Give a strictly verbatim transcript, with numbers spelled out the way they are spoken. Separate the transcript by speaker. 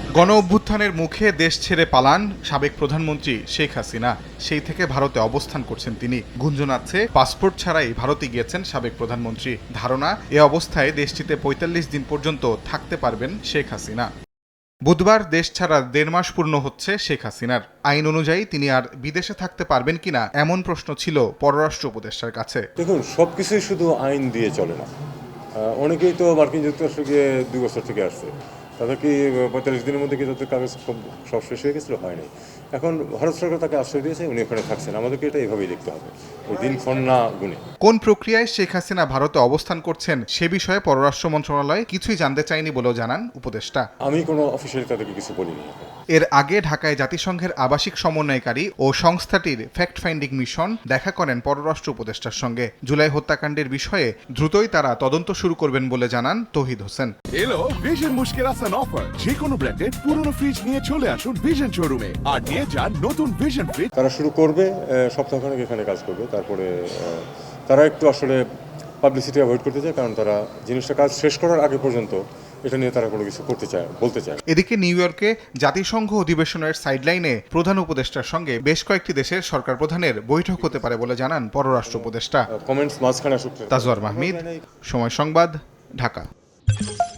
Speaker 1: গণ অভ্যুত্থানের মুখে দেশ ছেড়ে পালান সাবেক প্রধানমন্ত্রী শেখ হাসিনা। সেই থেকে ভারতে অবস্থান করছেন তিনি। গুঞ্জন আছে পাসপোর্ট ছাড়াই ভারতে গিয়েছেন সাবেক প্রধানমন্ত্রী। ধারণা, এ অবস্থায় দেশটিতে পঁয়তাল্লিশ দিন পর্যন্ত থাকতে পারবেন শেখ হাসিনা। বুধবার দেশ ছাড়া দেড় মাস পূর্ণ হচ্ছে শেখ হাসিনার। আইন অনুযায়ী তিনি আর বিদেশে থাকতে পারবেন কিনা এমন প্রশ্ন ছিল পররাষ্ট্র উপদেষ্টার কাছে।
Speaker 2: দেখুন, সবকিছুই শুধু আইন দিয়ে চলে না। অনেকেই তো মার্কিন যুক্তরাষ্ট্রে গিয়ে দুই বছর থেকে আসছে, তাদের কি পঁয়তাল্লিশ দিনের মধ্যে কি তাদের কাগজ সব শেষ হয়ে গেছিল? হয়নি। এখন ভারত সরকার তাকে আশ্রয় দিয়েছে, উনি ওখানে থাকছেন। আমাদেরকে এটা এভাবেই দেখতে হবে, ওই দিনক্ষণ না গুনে।
Speaker 1: কোন প্রক্রিয়ায় শেখ হাসিনা ভারতে অবস্থান করছেন সে বিষয়ে পররাষ্ট্র মন্ত্রণালয় কিছুই জানতে চায়নি বলেও জানান উপদেষ্টা।
Speaker 2: আমি কোনো অফিসিয়ালি তাদেরকে কিছু বলিনি।
Speaker 1: এর আগে ঢাকায় জাতিসংঘের আবাসিক সমন্বয়কারী ও সংস্থাটির ফ্যাক্ট ফাইন্ডিং মিশন দেখা করেন পররাষ্ট্র উপদেষ্টার সঙ্গে। জুলাই হত্যাকাণ্ডের বিষয়ে দ্রুতই তারা তদন্ত শুরু করবেন বলে জানান তৌহিদ হোসেন।
Speaker 3: এলো ভিশন মুশকিল আসান অফার। যে কোনো ব্র্যান্ডের পুরনো ফ্রিজ নিয়ে চলে আসুন ভিশন শোরুমে আর নিয়ে যান নতুন ভিশন ফ্রিজ।
Speaker 2: তারা শুরু করবে, সপ্তাহখানেক এখানে কাজ করবে, তারপরে তারা একটু আসলে পাবলিসিটি অ্যাভয়েড করতে চায়, কারণ তারা জিনিসটা কাজ শেষ করার আগে পর্যন্ত এটা নিয়ে তারা কোনো কিছু করতে চায়, বলতে চায়।
Speaker 1: এদিকে নিউ ইয়র্কে জাতিসংঘ অধিবেশনের সাইডলাইনে প্রধান উপদেষ্টার সঙ্গে বেশ কয়েকটি দেশের সরকার প্রধানের বৈঠক হতে পারে বলে জানান পররাষ্ট্র উপদেষ্টা।
Speaker 2: কমেন্টস মাঝখানে আসুক।
Speaker 1: তাজওয়ার মাহমিদ, সময় সংবাদ, ঢাকা।